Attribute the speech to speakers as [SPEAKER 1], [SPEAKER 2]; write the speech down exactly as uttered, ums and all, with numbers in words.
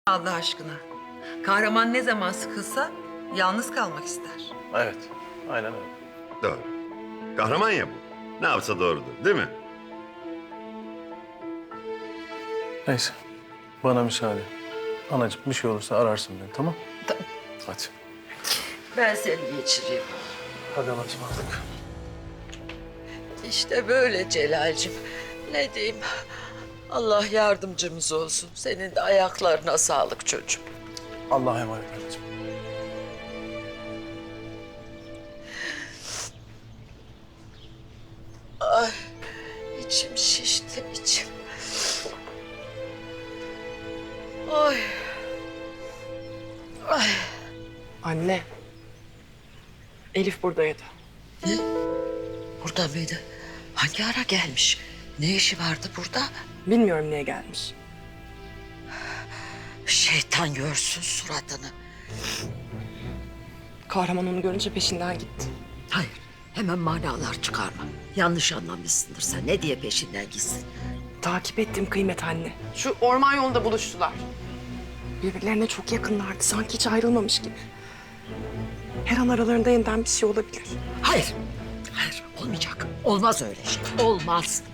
[SPEAKER 1] Allah aşkına. Kahraman ne zaman sıkılsa yalnız kalmak ister.
[SPEAKER 2] Evet, aynen öyle.
[SPEAKER 3] Doğru. Kahraman ya bu. Ne yapsa doğrudur, değil mi?
[SPEAKER 2] Neyse, bana müsaade. Anacığım bir şey olursa ararsın beni, tamam?
[SPEAKER 1] Tamam.
[SPEAKER 2] Hadi.
[SPEAKER 1] Ben seni geçireyim.
[SPEAKER 2] Hadi Allah'a ısmarladık.
[SPEAKER 1] İşte böyle Celal'cim. Ne diyeyim? Allah yardımcımız olsun. Senin de ayaklarına sağlık çocuğum.
[SPEAKER 2] Allah'a emanet anneciğim.
[SPEAKER 1] Ay, içim şişti, içim. Ay. Ay.
[SPEAKER 4] Anne. Elif buradaydı.
[SPEAKER 1] Ne? Burada mıydı? Hangi ara gelmiş? Ne işi vardı burada?
[SPEAKER 4] Bilmiyorum niye gelmiş.
[SPEAKER 1] Şeytan görsün suratını.
[SPEAKER 4] Kahraman onu görünce peşinden gitti.
[SPEAKER 5] Hayır, hemen manalar çıkarma. Yanlış anlamışsındır sen. Ne diye peşinden gitsin?
[SPEAKER 4] Takip ettiğim kıymet anne. Şu orman yolunda buluştular. Birbirlerine çok yakınlardı. Sanki hiç ayrılmamış gibi. Her an aralarında yeniden bir şey olabilir.
[SPEAKER 5] Hayır, hayır olmayacak. Olmaz öyle şey. Olmaz.